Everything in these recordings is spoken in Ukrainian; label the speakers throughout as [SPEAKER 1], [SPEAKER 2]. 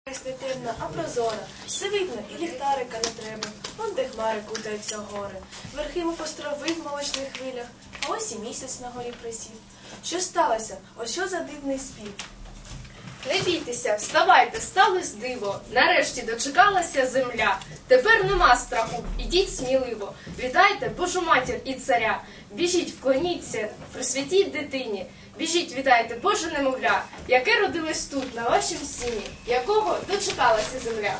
[SPEAKER 1] Не темна, а прозора, все видно, і ліхтарика не треба. Вон де хмари кутаються гори. Верхи му построви в молочних хвилях, а ось і місяць на горі присів. Що сталося? Ось що за дивний спів?
[SPEAKER 2] Не бійтеся, вставайте, сталось диво. Нарешті дочекалася земля. Тепер нема страху, ідіть сміливо. Вітайте Божу матір і царя. Біжіть, вклоніться, присвятіть дитині. Біжіть, вітайте Боже немовля, яке родилось тут, на вашім сіні, якого дочекалася земля.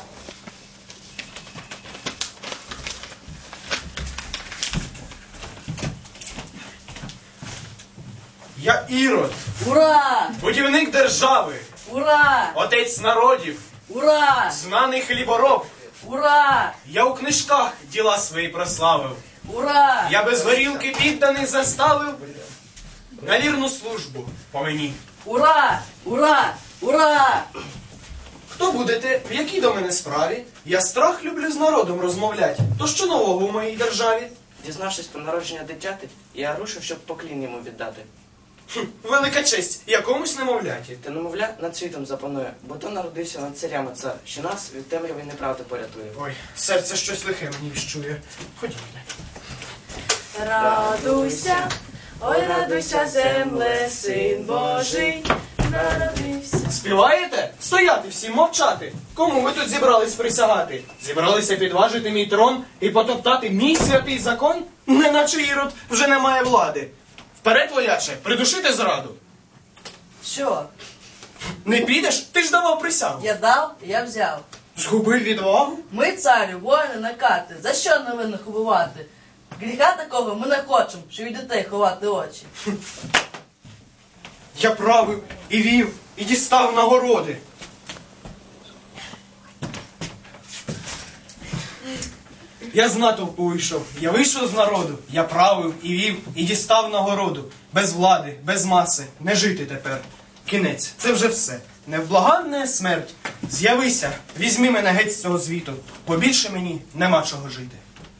[SPEAKER 3] Я Ірод,
[SPEAKER 4] Ура!
[SPEAKER 3] будівник держави,
[SPEAKER 4] Ура!
[SPEAKER 3] отець народів,
[SPEAKER 4] Ура!
[SPEAKER 3] знаний хлібороб.
[SPEAKER 4] Ура!
[SPEAKER 3] Я у книжках діла свої прославив.
[SPEAKER 4] Ура!
[SPEAKER 3] Я без горілки підданих заставив на вірну службу по мені.
[SPEAKER 4] Ура! Ура! Ура!
[SPEAKER 3] Хто будете, в якій до мене справі? Я страх люблю з народом розмовлять. То що нового у моїй державі?
[SPEAKER 5] Дізнавшись про народження дитяти, я рушив, щоб поклін йому віддати.
[SPEAKER 3] Велика честь якомусь немовляті.
[SPEAKER 5] Та немовля над світом запанує, бо то народився над царями цар, що нас від темряви і неправди порятує.
[SPEAKER 3] Ой, серце щось лихе мені віщує. Ходімо.
[SPEAKER 1] Радуйся, ой, радуйся, земле, Син Божий народився.
[SPEAKER 3] Співаєте? Стояти всім, мовчати. Кому ви тут зібрались присягати? Зібралися підважити мій трон і потоптати мій святий закон? Неначе Ірод вже не має влади. Вперед, вояче, придушити зраду.
[SPEAKER 4] Що?
[SPEAKER 3] Не підеш? Ти ж давав присягу.
[SPEAKER 4] Я дав, я взяв.
[SPEAKER 3] Згубив відвагу?
[SPEAKER 4] Ми, царю, воїни на карти. За що невинних убивати? Гріха такого ми не хочемо, що від дітей ховати очі.
[SPEAKER 3] Я правив і вів, і дістав нагороди. Я з натовпу вийшов, я вийшов з народу, я правив і вів, і дістав нагороду. Без влади, без маси, не жити тепер. Кінець, це вже все. Невблаганна смерть. З'явися, візьми мене геть з цього звіту. Побільше мені нема чого жити.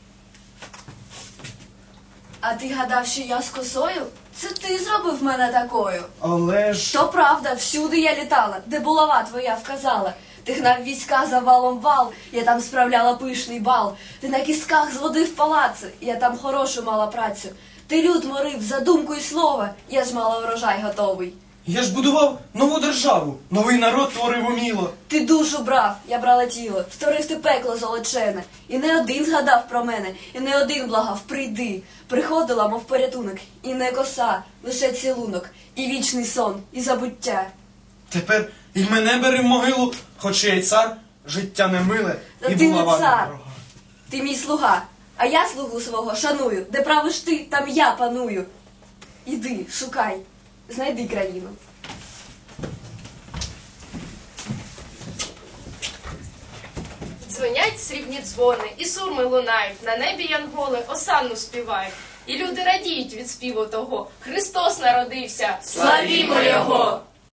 [SPEAKER 6] А ти гадав, що я з косою? Це ти зробив мене такою.
[SPEAKER 3] Але ж...
[SPEAKER 6] То правда, всюди я літала, де булава твоя вказала. Ти гнав війська за валом вал, я там справляла пишний бал. Ти на кістках зводив палаци, я там хорошу мала працю. Ти люд морив за думку і слово, я ж мала урожай готовий.
[SPEAKER 3] Я ж будував нову державу, новий народ творив уміло.
[SPEAKER 6] Ти душу брав, я брала тіло, створив ти пекло золочене. І не один згадав про мене, і не один благав, прийди. Приходила, мов порятунок, і не коса, лише цілунок, і вічний сон, і забуття.
[SPEAKER 3] Тепер і мене бери в могилу, хоч я й цар, життя не миле,
[SPEAKER 6] Та
[SPEAKER 3] і
[SPEAKER 6] ти не
[SPEAKER 3] булава не
[SPEAKER 6] цар.
[SPEAKER 3] дорога.
[SPEAKER 6] Ти мій слуга, а я слугу свого шаную. Де правиш ти, там я паную. Іди, шукай, знайди країну.
[SPEAKER 2] Дзвонять срібні дзвони, і сурми лунають, на небі янголи осанну співають. І люди радіють від співу того. Христос народився, славімо Його!